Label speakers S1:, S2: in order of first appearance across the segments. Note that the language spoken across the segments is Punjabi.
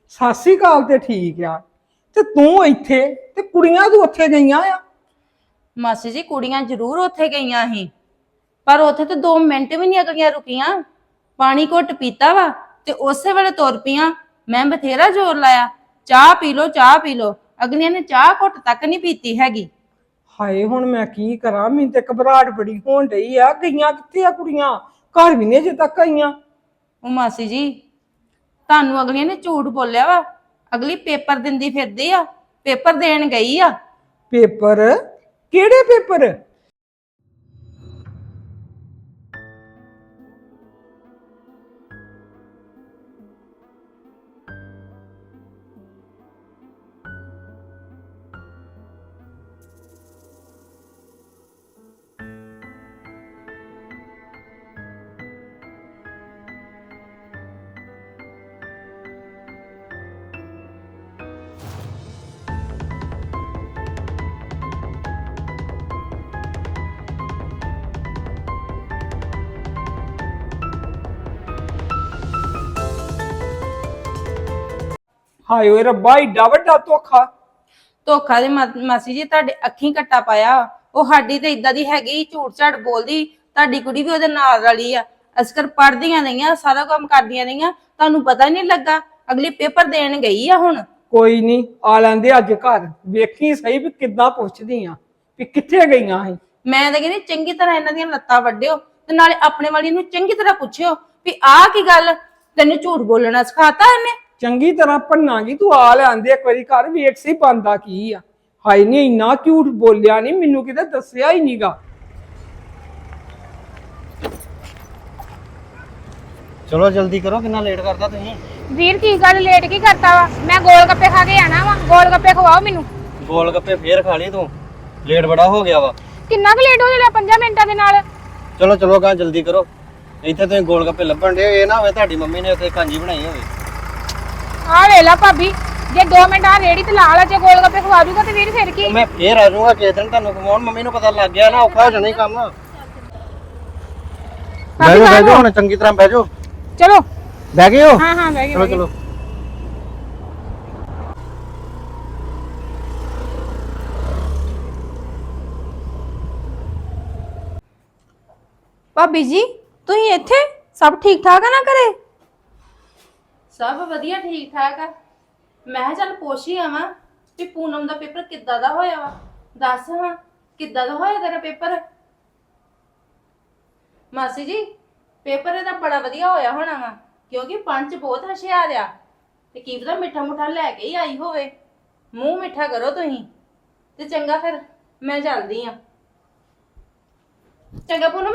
S1: ਸਤਿ ਸ੍ਰੀ ਅਕਾਲ ਤੇ ਠੀਕ ਆ ਤੇ ਤੂੰ ਇੱਥੇ ਤੇ ਕੁੜੀਆਂ ਤੂੰ ਉੱਥੇ ਗਈਆਂ ਆ।
S2: ਮਾਸੀ ਜੀ ਕੁੜੀਆਂ ਜ਼ਰੂਰ ਉੱਥੇ ਗਈਆਂ ਸੀ ਪਰ ਉੱਥੇ ਤੇ 2 ਮਿੰਟ ਵੀ ਨਹੀਂ ਅਗਲੀਆਂ ਰੁਕੀਆਂ। ਪਾਣੀ ਘੁੱਟ ਪੀਤਾ ਵਾ ਤੇ ਉਸੇ ਵੇਲੇ ਤੁਰ ਪਈਆਂ। ਮੈਂ ਬਥੇਰਾ ਜ਼ੋਰ ਲਾਇਆ, ਚਾਹ ਪੀ ਲੋ ਚਾਹ ਪੀ ਲੋ, ਅਗਲੀਆਂ ਨੇ ਚਾਹ ਘੁੱਟ ਤੱਕ ਨਹੀਂ ਪੀਤੀ ਹੈਗੀ।
S1: ਹਾਏ ਹੁਣ ਮੈਂ ਕੀ ਕਰਾਂ, ਮੈਨੂੰ ਤੇ ਘਬਰਾਹਟ ਬੜੀ ਹੋਣ ਡਈ ਆ। ਗਈਆਂ ਕਿੱਥੇ ਆ ਕੁੜੀਆਂ? ਘਰ ਵੀ ਨਹੀਂ ਅਜੇ ਤੱਕ ਆਈਆਂ।
S2: ਉਹ ਮਾਸੀ ਜੀ ਤੁਹਾਨੂੰ ਅਗਲੀਆਂ ਨੇ ਝੂਠ ਬੋਲਿਆ ਵਾ। ਅਗਲੀ ਪੇਪਰ ਦਿੰਦੀ ਫਿਰਦੀ ਆ, ਪੇਪਰ ਦੇਣ ਗਈ ਆ।
S1: ਪੇਪਰ? ਕਿਹੜੇ ਪੇਪਰ? ਹਾਏ ਓਏ ਰੱਬਾ, ਏਡਾ ਵੱਡਾ ਧੋਖਾ।
S2: ਧੋਖਾ ਦੇ ਮਾਸੀ ਜੀ ਤੁਹਾਡੇ ਅੱਖੀਂ ਕੱਟਾ ਪਾਇਆ। ਉਹ ਸਾਡੀ ਤੇ ਇਦਾਂ ਦੀ ਹੈਗੀ, ਝੂਠ ਝਾੜ ਬੋਲਦੀ। ਤੁਹਾਡੀ ਕੁੜੀ ਵੀ ਉਹਦੇ ਨਾਲ ਵਾਲੀ ਆ। ਅਸਕਰ ਪੜ੍ਹਦੀਆਂ ਰਹੀਆਂ, ਸਾਰਾ ਕੰਮ ਕਰਦੀਆਂ ਰਹੀਆਂ, ਤੁਹਾਨੂੰ ਪਤਾ ਨਹੀਂ ਲੱਗਾ। ਅਗਲੀ ਪੇਪਰ ਦੇਣ ਗਈ ਆ। ਹੁਣ
S1: ਕੋਈ ਨਹੀਂ, ਆ ਲੈਂਦੇ ਅੱਜ ਘਰ, ਵੇਖੀ ਸਹੀ ਵੀ ਕਿੱਦਾਂ ਪੁੱਛਦੀ ਆ ਵੀ ਕਿੱਥੇ ਗਈਆਂ ਸੀ।
S2: ਮੈਂ ਤਾਂ ਕਹਿੰਦੀ ਚੰਗੀ ਤਰ੍ਹਾਂ ਇਹਨਾਂ ਦੀਆਂ ਲੱਤਾਂ ਵੱਢਿਓ ਤੇ ਨਾਲੇ ਆਪਣੇ ਵਾਲੀ ਨੂੰ ਚੰਗੀ ਤਰ੍ਹਾਂ ਪੁੱਛਿਓ ਵੀ ਆਹ ਕੀ ਗੱਲ, ਤੈਨੂੰ ਝੂਠ ਬੋਲਣਾ ਸਿਖਾਤਾ ਇਹਨੇ?
S1: ਚੰਗੀ ਤਰ੍ਹਾਂ ਭੰਨਾਂਗੀ। ਤੂੰ ਆ ਲੈਂਦੇ ਇੱਕ ਵਾਰੀ ਘਰ, ਵੇਖ ਸਹੀ ਬੰਦਾ ਕੀ ਆ। ਹਾਏ ਨਹੀਂ, ਇੰਨਾ ਝੂਠ ਬੋਲਿਆ ਨਹੀਂ, ਮੈਨੂੰ ਕਿਤੇ ਦੱਸਿਆ ਹੀ ਨਹੀਂਗਾ।
S3: ਚਲੋ ਜਲਦੀ ਕਰੋ, ਕਿੰਨਾ ਲੇਟ ਕਰਦਾ ਤੁਸੀਂ।
S4: ਵੀਰ ਕੀ ਗੱਲ ਲੇਟ ਕੀ ਕਰਤਾ ਵਾ? ਮੈਂ ਗੋਲ ਗੱਪੇ ਖਾ ਕੇ ਆਣਾ ਵਾ, ਗੋਲ ਗੱਪੇ ਖਵਾਓ ਮੈਨੂੰ।
S3: ਗੋਲ ਗੱਪੇ ਫੇਰ ਖਾ ਲਈ ਤੂੰ, ਲੇਟ ਬੜਾ ਹੋ ਗਿਆ ਵਾ।
S4: ਕਿੰਨਾ ਕੁ ਲੇਟ ਹੋ ਜਾਣਾ 5 ਮਿੰਟਾਂ ਦੇ ਨਾਲ?
S3: ਚਲੋ ਚਲੋ ਗਾ ਜਲਦੀ ਕਰੋ, ਇੱਥੇ ਤੁਸੀਂ ਗੋਲ ਗੱਪੇ ਲੱਭਣ ਦੇ। ਇਹ ਨਾ ਹੋਵੇ ਤੁਹਾਡੀ ਮੰਮੀ ਨੇ ਉੱਥੇ ਕਾਂਜੀ ਬਣਾਈ ਹੋਵੇ।
S4: ਆ ਵੇਲਾ ਭਾਬੀ, ਜੇ 2 ਮਿੰਟ ਆ ਰੇੜੀ ਤੇ ਲਾ ਲਾ, ਜੇ ਗੋਲ ਗੱਪੇ ਖਵਾ ਦੂਗਾ ਤੇ ਵੀਰ ਫਿਰ ਕੀ?
S3: ਮੈਂ ਫੇਰ ਆ ਜਾਊਂਗਾ ਕਿਸੇ ਦਿਨ ਤੁਹਾਨੂੰ ਖਵਾਉਣ। ਮੰਮੀ ਨੂੰ ਪਤਾ ਲੱਗ ਗਿਆ ਨਾ, ਔਖਾ ਹੋ ਜਾਣਾ ਹੀ ਕੰਮ। ਬਹਿ ਜਾਓ ਬਹਿ ਜਾਓ, ਹੁਣ ਚੰਗੀ ਤਰ੍ਹਾਂ ਬਹਿ ਜਾਓ।
S4: ਚਲੋ
S3: ਬਹਿ ਗਏ ਹੋ?
S4: ਹਾਂ ਹਾਂ ਬਹਿ ਗਏ।
S3: ਚਲੋ ਚਲੋ।
S2: ਭਾਬੀ ਜੀ ਤੁਸੀਂ ਇੱਥੇ? ਸਭ ਠੀਕ ਠਾਕ ਆ ਨਾ ਘਰੇ? ਸਭ ਵਧੀਆ ਠੀਕ ਠਾਕ ਆ। ਮੈਂ ਕਿਹਾ ਚੱਲ ਪੁੱਛ ਹੀ ਆਵਾਂ ਵੀ ਪੂਨਮ ਦਾ ਪੇਪਰ ਕਿੱਦਾਂ ਦਾ ਹੋਇਆ ਵਾ। ਦੱਸ ਹਾਂ ਕਿੱਦਾਂ ਦਾ ਹੋਇਆ ਤੇਰਾ ਪੇਪਰ? ਮਾਸੀ ਜੀ ਪੇਪਰ ਇਹਦਾ ਬੜਾ ਵਧੀਆ ਹੋਇਆ ਹੋਣਾ ਵਾ, ਕਿਉਂਕਿ ਪੰਚ ਬਹੁਤ ਹੁਸ਼ਿਆਰ ਆ ਤੇ ਕੀ ਪਤਾ ਮਿੱਠਾ ਮੁੱਠਾ ਲੈ ਕੇ ਹੀ ਆਈ ਹੋਵੇ। ਮੂੰਹ ਮਿੱਠਾ ਕਰੋ ਤੁਸੀਂ ਤੇ ਚੰਗਾ। ਫਿਰ ਮੈਂ ਚੱਲਦੀ ਆ। ਚੰਗਾ ਪੂਨਮ।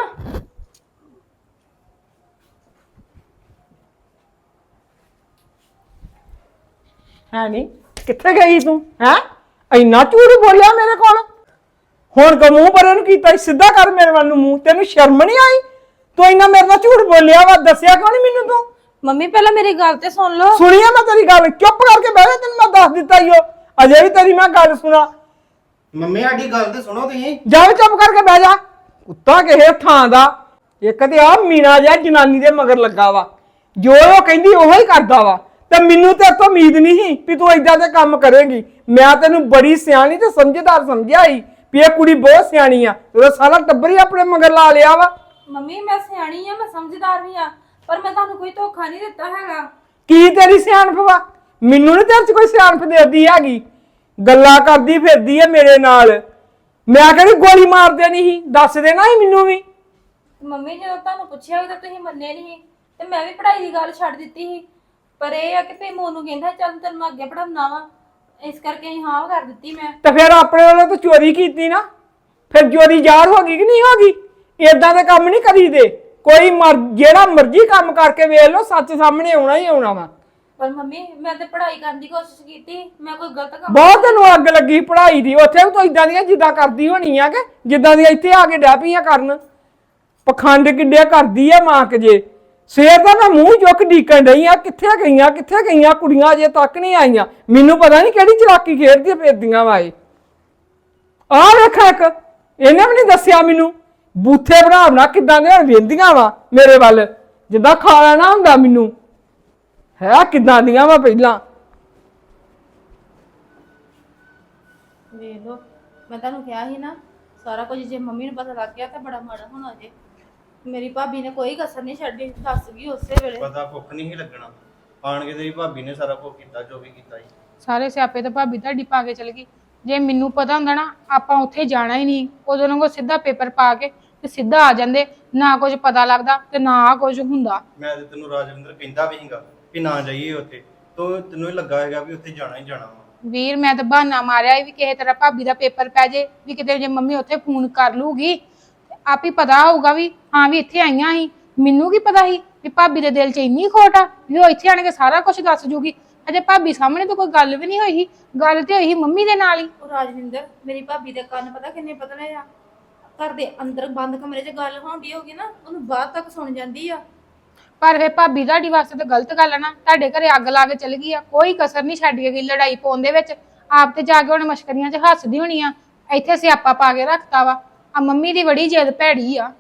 S1: ਹੈ ਨਹੀਂ, ਕਿੱਥੇ ਗਈ ਤੂੰ? ਹੈ ਇੰਨਾ ਝੂਠ ਬੋਲਿਆ ਮੇਰੇ ਕੋਲ। ਹੁਣ ਕੋ ਮੂੰਹ ਪਰੇ ਨੂੰ ਕੀਤਾ, ਸਿੱਧਾ ਕਰ ਮੇਰੇ ਵੱਲ ਨੂੰ ਮੂੰਹ। ਤੈਨੂੰ ਸ਼ਰਮ ਨਹੀਂ ਆਈ? ਤੂੰ ਇੰਨਾ ਮੇਰੇ ਨਾਲ ਝੂਠ ਬੋਲਿਆ ਵਾ, ਦੱਸਿਆ ਕਿਉਂ ਨਹੀਂ ਮੈਨੂੰ ਤੂੰ?
S2: ਮੰਮੀ ਪਹਿਲਾਂ ਮੇਰੀ ਗੱਲ ਤੇ ਸੁਣ ਲਓ।
S1: ਸੁਣੀਆ ਮੈਂ ਤੇਰੀ ਗੱਲ, ਚੁੱਪ ਕਰਕੇ ਬਹਿ ਜਾ, ਤੈਨੂੰ ਮੈਂ ਦੱਸ ਦਿੱਤਾ ਈ ਓ। ਅਜੇ ਵੀ ਤੇਰੀ ਮੈਂ ਗੱਲ ਸੁਣਾ।
S3: ਮੰਮੀ ਸਾਡੀ ਗੱਲ ਤੇ ਸੁਣੋ ਤੁਸੀਂ।
S1: ਜਾ ਚੁੱਪ ਕਰਕੇ ਬਹਿ ਜਾ, ਕੁੱਤਾ ਕਿਸੇ ਥਾਂ ਦਾ। ਇੱਕ ਤੇ ਆ ਮੀਨਾ ਜਿਹਾ ਜਨਾਨੀ ਦੇ ਮਗਰ ਲੱਗਾ ਵਾ, ਜੋ ਉਹ ਕਹਿੰਦੀ ਉਹੋ ਹੀ ਕਰਦਾ ਵਾ। ਤੇ ਮੈਨੂੰ ਤੇ ਇਤੋਂ ਉਮੀਦ ਨਹੀਂ ਸੀ ਵੀ ਤੂੰ ਏਦਾਂ ਦੇ ਕੰਮ ਕਰੇਂਗੀ। ਮੈਂ ਤੈਨੂੰ ਬੜੀ ਸਿਆਣੀ ਤੇ ਸਮਝਦਾਰ ਸਮਝਿਆ ਸੀ ਵੀ ਇਹ ਕੁੜੀ ਬਹੁਤ ਸਿਆਣੀ ਆ। ਉਹਦਾ ਸਾਰਾ ਟੱਬਰ ਹੀ ਆਪਣੇ ਮਗਰ ਲਾ ਲਿਆ ਵਾ।
S2: ਮੰਮੀ ਮੈਂ ਸਿਆਣੀ ਆ, ਮੈਂ ਸਮਝਦਾਰ ਵੀ ਆ, ਪਰ ਮੈਂ ਤੁਹਾਨੂੰ ਕੋਈ ਧੋਖਾ ਨਹੀਂ ਦਿੱਤਾ ਹੈਗਾ।
S1: ਕੀ ਤੇਰੀ ਸਿਆਣਪ ਵਾ? ਮੈਨੂੰ ਨੀ ਤੇਰੇ ਚ ਕੋਈ ਸਿਆਣਪ ਦੇਦੀ ਹੈਗੀ। ਗੱਲਾਂ ਕਰਦੀ ਫਿਰਦੀ ਹੈ ਮੇਰੇ ਨਾਲ। ਮੈਂ ਕਹਿੰਦੀ ਗੋਲੀ ਮਾਰ ਦੇਣੀ ਸੀ, ਦੱਸ ਦੇਣਾ ਸੀ ਮੈਨੂੰ ਵੀ।
S2: ਮੰਮੀ ਜਦੋਂ ਤੁਹਾਨੂੰ ਪੁੱਛਿਆ ਵੀ ਤਾਂ ਤੁਸੀਂ ਮੰਨੇ ਨਹੀਂ ਤੇ ਮੈਂ ਵੀ ਪੜ੍ਹਾਈ ਦੀ ਗੱਲ ਛੱਡ ਦਿੱਤੀ ਸੀ। ਪਰ ਇਹ ਆ ਕਿ ਭੇਮੂ ਨੂੰ ਕਹਿੰਦਾ ਚੱਲ ਤੈਨੂੰ ਮੈਂ ਅੱਗੇ ਪੜਾਉਣਾ ਵਾ, ਇਸ ਕਰਕੇ ਅਸੀਂ ਹਾਂ ਕਰ ਦਿੱਤੀ ਮੈਂ।
S1: ਤੇ ਫਿਰ ਆਪਣੇ ਵੱਲੋਂ ਤਾਂ ਚੋਰੀ ਕੀਤੀ ਨਾ, ਫਿਰ ਚੋਰੀ ਜ਼ਾਹਰ ਹੋ ਗਈ ਕਿ ਨਹੀਂ ਹੋ ਗਈ? ਏਦਾਂ ਦੇ ਕੰਮ ਨਹੀਂ ਕਰੀਦੇ। ਕੋਈ ਜਿਹੜਾ ਮਰਜ਼ੀ ਕੰਮ ਕਰਕੇ ਵੇਖ ਲਓ, ਸੱਚ ਸਾਹਮਣੇ ਆਉਣਾ ਹੀ ਆਉਣਾ ਵਾ।
S2: ਪਰ ਮੰਮੀ ਮੈਂ ਤੇ ਪੜ੍ਹਾਈ ਕਰਨ ਦੀ ਕੋਸ਼ਿਸ਼ ਕੀਤੀ, ਮੈਂ ਕੋਈ ਗਲਤ ਕੰਮ
S1: ਬਹੁਤ ਤੈਨੂੰ ਅੱਗ ਲੱਗੀ ਪੜ੍ਹਾਈ ਦੀ। ਉੱਥੇ ਵੀ ਤੂੰ ਇਦਾਂ ਦੀਆਂ ਜਿੱਦਾਂ ਕਰਦੀ ਹੋਣੀ ਆ ਕਿ ਜਿੱਦਾਂ ਦੀਆਂ ਇੱਥੇ ਆ ਕੇ ਡਹਿ ਪਈਆਂ ਕਰਨ। ਪਖੰਡ ਕਿੱਡੇ ਕਰਦੀ ਆ ਮਾਂ ਕਿ ਜੇ। ਸਵੇਰ ਦਾ ਮੈਂ ਮੂੰਹ ਚੁੱਕ ਡੀਕਣ ਡਈ ਆ, ਕਿੱਥੇ ਗਈਆਂ ਕੁੜੀਆਂ ਅਜੇ ਤੱਕ ਨਹੀਂ ਆਈਆਂ। ਮੈਨੂੰ ਪਤਾ ਨਹੀਂ ਕਿਹੜੀ ਚਲਾਕੀ ਖੇਡਦੀਆਂ ਫਿਰਦੀਆਂ ਵਾ ਇਹ। ਆਹ ਵੇਖਾ ਇੱਕ, ਇਹਨੇ ਵੀ ਨਹੀਂ ਦੱਸਿਆ ਮੈਨੂੰ। ਬੂਥੇ ਬਣਾ ਕਿੱਦਾਂ ਦੇ ਵੇਂਦੀਆਂ ਵਾ ਮੇਰੇ ਵੱਲ, ਜਿੱਦਾਂ ਖਾ ਲੈਣਾ ਹੁੰਦਾ ਮੈਨੂੰ। ਹੈ ਕਿੱਦਾਂ ਦੀਆਂ ਵਾ ਪਹਿਲਾਂ।
S2: ਵੇਖ ਲਓ, ਮੈਂ ਤੁਹਾਨੂੰ ਕਿਹਾ ਸੀ ਨਾ, ਸਾਰਾ ਕੁਝ ਜੇ ਮੰਮੀ ਨੂੰ ਪਤਾ ਲੱਗ ਗਿਆ ਤਾਂ ਬੜਾ ਮਾੜਾ ਹੋਣਾ ਜੇ। ਮੇਰੀ ਭਾਬੀ ਨੇ ਕੋਈ ਕਸਰ ਨਹੀਂ ਛੱਡੀ, ਦੱਸ ਗਈ ਉਸੇ ਵੇਲੇ।
S3: ਪਤਾ ਭੁੱਖ ਨਹੀਂ ਸੀ ਲੱਗਣਾ, ਆਣ ਕੇ ਤੇਰੀ ਭਾਬੀ ਨੇ ਸਾਰਾ ਕੁਝ ਕੀਤਾ ਜੋ ਵੀ ਕੀਤਾ ਜੀ।
S4: ਸਾਰੇ ਸਿਆਪੇ ਤਾਂ ਭਾਬੀ ਤੁਹਾਡੀ ਪਾ ਕੇ ਚਲ ਗਈ। ਜੇ ਮੈਨੂੰ ਪਤਾ ਹੁੰਦਾ ਨਾ ਆਪਾਂ ਉੱਥੇ ਜਾਣਾ ਹੀ ਨਹੀਂ, ਉਦੋਂ ਨੂੰ ਸਿੱਧਾ ਪੇਪਰ ਪਾ ਕੇ ਤੇ ਸਿੱਧਾ ਆ ਜਾਂਦੇ, ਨਾ ਕੁਝ ਪਤਾ ਲੱਗਦਾ ਤੇ ਨਾ ਕੁਝ ਹੁੰਦਾ।
S3: ਮੈਂ ਤੇ ਤੈਨੂੰ ਰਾਜਵਿੰਦਰ ਕਹਿੰਦਾ ਵੀ ਸੀਗਾ ਕਿ ਨਾ ਜਾਈਏ ਉੱਥੇ, ਤੈਨੂੰ ਹੀ ਲੱਗਾ ਹੈਗਾ ਵੀ ਉੱਥੇ ਜਾਣਾ ਹੀ ਜਾਣਾ ਵਾ।
S4: ਵੀਰ ਮੈਂ ਤਾਂ ਬਹਾਨਾ ਮਾਰਿਆ ਸੀ ਵੀ ਕਿਸੇ ਤਰ੍ਹਾਂ ਭਾਬੀ ਦਾ ਪੇਪਰ ਪੈ ਜੇ, ਵੀ ਕਿਤੇ ਜੇ ਮੰਮੀ ਉੱਥੇ ਫੋਨ ਕਰ ਲੂਗੀ ਆਪ ਹੀ ਪਤਾ ਹੋਊਗਾ ਵੀ ਹਾਂ ਵੀ ਇੱਥੇ ਆਈਆਂ ਸੀ। ਮੈਨੂੰ ਕੀ ਪਤਾ ਸੀ ਵੀ ਭਾਬੀ ਦੇ ਦਿਲ 'ਚ ਇੰਨੀ ਖੋਟ ਆ ਵੀ ਉਹ ਇੱਥੇ ਆਣ ਕੇ ਸਾਰਾ ਕੁਝ ਦੱਸ ਜੂਗੀ। ਅਜੇ ਭਾਬੀ ਸਾਹਮਣੇ ਤਾਂ ਕੋਈ ਗੱਲ ਵੀ ਨਹੀਂ ਹੋਈ ਸੀ, ਗੱਲ ਤੇ ਹੋਈ ਸੀ ਮੰਮੀ ਦੇ ਨਾਲ ਹੀ।
S2: ਉਹ ਰਾਜਵਿੰਦਰ, ਮੇਰੀ ਭਾਬੀ ਦੇ ਕੰਨ ਪਤਾ ਕਿੰਨੇ ਪਤਲੇ ਆ। ਘਰ ਦੇ ਅੰਦਰ ਬੰਦ ਕਮਰੇ 'ਚ ਗੱਲ ਹੁੰਦੀ ਹੋਗੀ ਨਾ, ਉਹਨੂੰ ਬਾਹਰ ਤੱਕ ਸੁਣ ਜਾਂਦੀ ਆ।
S4: ਪਰ ਫਿਰ ਭਾਬੀ ਤੁਹਾਡੀ ਵਾਸਤੇ ਤਾਂ ਗਲਤ ਗੱਲ ਆ ਨਾ, ਤੁਹਾਡੇ ਘਰੇ ਅੱਗ ਲਾ ਕੇ ਚਲ ਗਈ ਆ, ਕੋਈ ਕਸਰ ਨਹੀਂ ਛੱਡ ਕੇ ਗਈ ਲੜਾਈ ਪਾਉਣ ਦੇ ਵਿੱਚ। ਆਪ ਤੇ ਜਾ ਕੇ ਉਹਨੇ ਮਸ਼ਕਰੀਆਂ 'ਚ ਹੱਸਦੀ ਹੋਣੀ ਆ, ਇੱਥੇ ਸਿਆਪਾ ਪਾ ਕੇ ਰੱਖਤਾ ਵਾ। ਆ ਮੰਮੀ ਦੀ ਬੜੀ ਜਿੱਦ ਭੈੜੀ ਆ।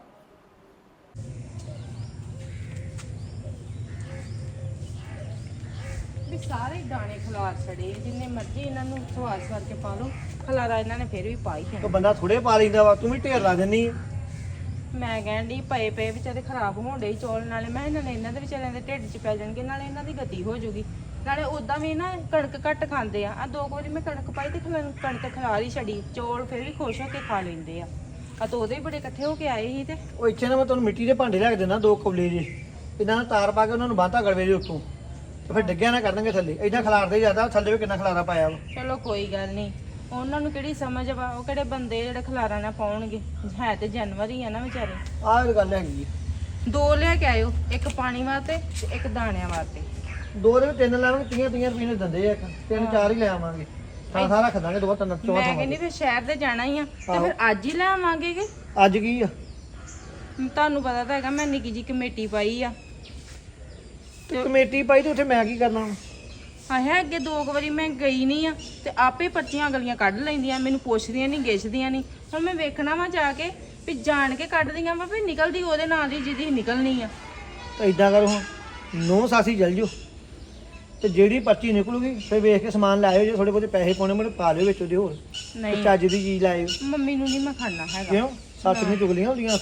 S2: ਵੀ ਸਾਰੇ ਦਾਣੇ ਖਲਾਰ ਛੜੇ, ਜਿੰਨੇ ਮਰਜ਼ੀ ਇਹਨਾਂ ਨੂੰ ਸਵਾਦ ਕਰਕੇ ਪਾ ਲਓ, ਖਲਾਰਾ ਇਹਨਾਂ ਨੇ ਫਿਰ ਵੀ ਪਾ ਹੀ
S3: ਉਹ ਬੰਦਾ ਥੋੜੇ ਪਾ ਲੈਂਦਾ ਵਾ, ਤੂੰ ਵੀ ਢੇਰ ਲਾ ਦਿੰਨੀ ਆ।
S2: ਮੈਂ ਕਹਿਣ ਡਈ ਪਏ ਵਿਚਾਰੇ ਖਰਾਬ ਹੋਣ ਡਈ ਚੌਲ, ਨਾਲੇ ਮੈਂ ਇਹਨਾਂ ਦੇ ਵਿਚਾਰਿਆਂ ਦੇ ਢਿੱਡ 'ਚ ਪੈ ਜਾਣਗੇ, ਨਾਲੇ ਇਹਨਾਂ ਦੀ ਗਤੀ ਹੋ ਜਾਊਗੀ। ਨਾਲੇ ਉਦਾਂ ਵੀ ਨਾ ਕਣਕ ਘੱਟ ਖਾਂਦੇ ਆ। 2 ਵਾਰੀ ਮੈਂ ਕਣਕ ਪਾਈ ਤੇ ਕਣਕ ਖਲਾਰ ਹੀ ਛੜੀ, ਚੌਲ ਫਿਰ ਵੀ ਖੁਸ਼ ਹੋ ਕੇ ਖਾ ਲੈਂਦੇ ਆ। ਤਾਂ ਉਹਦੇ ਬੜੇ ਇਕੱਠੇ ਹੋ ਕੇ ਆਏ ਸੀ ਤੇ
S3: ਉਹ ਇੱਥੇ ਨਾ ਮੈਂ ਤੁਹਾਨੂੰ ਮਿੱਟੀ ਦੇ ਭਾਂਡੇ ਲੈ ਕੇ ਦੇਣਾ 2 ਕੌਲੇ ਜੇ, ਇਹਨਾਂ ਨਾਲ ਤਾਰ ਪਾ ਕੇ ਉਹਨਾਂ ਨੂੰ ਬਾਂਤਾ ਗਲਵੇ ਦੇ ਉੱਤੋਂ, ਤੇ ਫਿਰ ਡਿੱਗਿਆ ਨਾ ਕਰਨਗੇ ਥੱਲੇ। ਇਦਾਂ ਖਿਲਾਰਦੇ ਜ਼ਿਆਦਾ, ਥੱਲੇ ਵੀ ਕਿੰਨਾ ਖਿਲਾਰਾ ਪਾਇਆ ਵਾ।
S2: ਚਲੋ ਕੋਈ ਗੱਲ ਨਹੀਂ, ਉਹਨਾਂ ਨੂੰ ਕਿਹੜੀ ਸਮਝ ਵਾ, ਉਹ ਕਿਹੜੇ ਬੰਦੇ ਜਿਹੜੇ ਖਲਾਰਾ ਨਾ ਪਾਉਣਗੇ। ਹੈ ਤੇ ਜਾਨਵਰ ਹੀ ਆ ਨਾ ਵਿਚਾਰੇ।
S3: ਆਹ ਇਹ ਗੱਲ ਹੈਗੀ
S2: 2 ਲਿਆ ਕੇ ਆਇਓ, ਇੱਕ ਪਾਣੀ ਵਾਸਤੇ ਤੇ ਇੱਕ ਦਾਣਿਆਂ ਵਾਸਤੇ।
S3: 2 ਦੇ 3 ਲਾਵਾਂਗੇ, 30 ਰੁਪਏ ਨੇ ਦਿੰਦੇ ਆ, 3-4 ਹੀ ਲੈ ਆਵਾਂਗੇ। ਸਾਰਾ ਰੱਖ ਦਾਂਗੇ 2-3
S2: ਮੈਂ ਕਹਿੰਦੀ ਫਿਰ ਸ਼ਹਿਰ ਤੇ ਜਾਣਾ ਹੀ ਆ, ਤੇ ਫਿਰ ਅੱਜ ਹੀ ਲੈ ਆਵਾਂਗੇ ਕਿ
S3: ਅੱਜ ਕੀ ਆ?
S2: ਤੁਹਾਨੂੰ ਪਤਾ ਤਾਂ ਹੈਗਾ ਮੈਂ ਨਿੱਕੀ ਜੀ ਕਮੇਟੀ ਪਾਈ ਆ।
S3: ਤੇ ਕਮੇਟੀ ਪਾਈ ਤੇ ਉੱਥੇ ਮੈਂ ਕੀ ਕਰਨਾ?
S2: ਆਇਆ ਅੱਗੇ 2 ਵਾਰੀ ਮੈਂ ਗਈ ਨਹੀਂ ਆ ਤੇ ਆਪੇ ਪਰਚੀਆਂ ਗਲੀਆਂ ਕੱਢ ਲੈਂਦੀਆਂ, ਮੈਨੂੰ ਪੁੱਛਦੀਆਂ ਨਹੀਂ ਗਿੱਛਦੀਆਂ ਨਹੀਂ। ਹੁਣ ਮੈਂ ਵੇਖਣਾ ਵਾ ਜਾ ਕੇ ਵੀ ਜਾਣ ਕੇ ਕੱਢਦੀਆਂ ਵਾ ਵੀ ਨਿਕਲਦੀ ਉਹਦੇ ਨਾਲ ਦੀ ਜਿਹਦੀ ਨਿਕਲਣੀ ਆ।
S3: ਤਾਂ ਇਦਾਂ ਕਰੋ, ਹਾਂ 9 ਸਾਸੀ ਜਲ ਜਾਓ ਤੇ ਜਿਹੜੀ ਪਰਚੀ ਨਿਕਲੂਗੀ ਫਿਰ ਵੇਖ ਕੇ ਸਮਾਨ ਲਾਇਓ। ਜੇ ਥੋੜੇ ਬਹੁਤੇ ਪੈਸੇ ਪਾਉਣੇ ਮੈਨੂੰ ਪਾ ਲਿਓ ਵਿੱਚ ਉਹਦੇ, ਹੋਰ
S2: ਨਹੀਂ
S3: ਚੱਜ ਦੀ ਚੀਜ਼ ਲਾਇਓ।
S2: ਮੰਮੀ ਨੂੰ ਨਹੀਂ ਮੈਂ ਖਾਣਾ ਹੈਗਾ।
S3: ਕਿਉਂ? ਸੱਸ ਨੇ ਚੁਗਲੀਆਂ ਹੁੰਦੀਆਂ।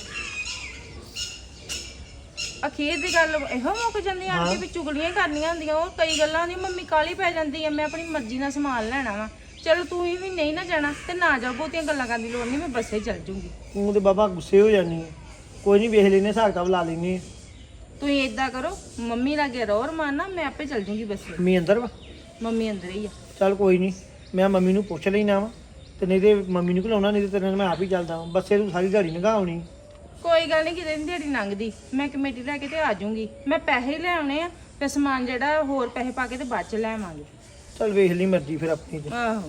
S2: ਅਖੀਰ ਦੀ ਗੱਲ ਇਹੋ ਮੁੱਕ ਜਾਂਦੀ ਆਣ ਕੇ ਵੀ ਚੁਗਲੀਆਂ ਹੀ ਕਰਨੀਆਂ ਹੁੰਦੀਆਂ। ਉਹ ਕਈ ਗੱਲਾਂ ਦੀ ਮੰਮੀ ਕਾਲੀ ਪੈ ਜਾਂਦੀ ਆ, ਮੈਂ ਆਪਣੀ ਮਰਜ਼ੀ ਨਾਲ ਸਮਾਨ ਲੈਣਾ ਵਾ। ਚਲੋ ਤੂੰ ਵੀ ਨਹੀਂ ਨਾ ਜਾਣਾ ਤੇ ਨਾ ਜਾਓ, ਬਹੁਤੀਆਂ ਗੱਲਾਂ ਕਰਨ ਦੀ ਲੋੜ ਨਹੀਂ, ਮੈਂ ਬੱਸੇ ਚੱਲ ਜੂੰਗੀ।
S3: ਤੂੰ ਤੇ ਬਾਬਾ ਗੁੱਸੇ ਹੋ ਜਾਨੀ ਹੈ। ਕੋਈ ਨਹੀਂ, ਵੇਖ ਲੈਨੇ, ਹਿਸਾਬ ਕਿਤਾਬ ਲਾ ਲੈਨੇ।
S2: ਤੁਸੀਂ ਏਦਾਂ ਕਰੋ, ਮੰਮੀ ਲਾਗੇ ਰਹੋ ਰਮਾਨਾ, ਮੈਂ ਆਪੇ ਚੱਲ ਜੂੰਗੀ ਬੱਸੇ।
S3: ਮੰਮੀ ਅੰਦਰ ਵਾ?
S2: ਮੰਮੀ ਅੰਦਰ ਹੀ ਆ।
S3: ਚੱਲ ਕੋਈ ਨਹੀਂ, ਮੈਂ ਮੰਮੀ ਨੂੰ ਪੁੱਛ ਲੈਣਾ ਵਾ, ਤੇ ਨਹੀਂ ਤੇ ਮੰਮੀ ਨੂੰ ਘਲਾਉਣਾ, ਨਹੀਂ ਤੇ ਤੇਰੇ ਨਾਲ ਮੈਂ ਆਪ ਹੀ ਚੱਲਦਾ ਵਾਂ। ਬੱਸੇ ਤੂੰ ਸਾਰੀ ਦਿਹਾੜੀ ਲੰਘਾਉਣੀ।
S2: ਕੋਈ ਗੱਲ ਨਹੀਂ, ਕਿਤੇ ਦਿਹਾੜੀ ਲੰਘਦੀ, ਮੈਂ ਕਮੇਟੀ ਲੈ ਕੇ ਤੇ ਆ ਜਾਊਂਗੀ। ਮੈਂ ਪੈਸੇ ਲੈ ਆਉਣੇ ਆ, ਫਿਰ ਸਮਾਨ ਜਿਹੜਾ ਹੋਰ ਪੈਸੇ ਪਾ ਕੇ ਤੇ ਬਾਅਦ ਚ ਲੈ ਆਵਾਂਗੇ।
S3: ਚੱਲ ਵੇਖ ਲਈ ਮਰਜ਼ੀ ਫਿਰ ਆਪਣੀ ਤੇ।
S2: ਆਹੋ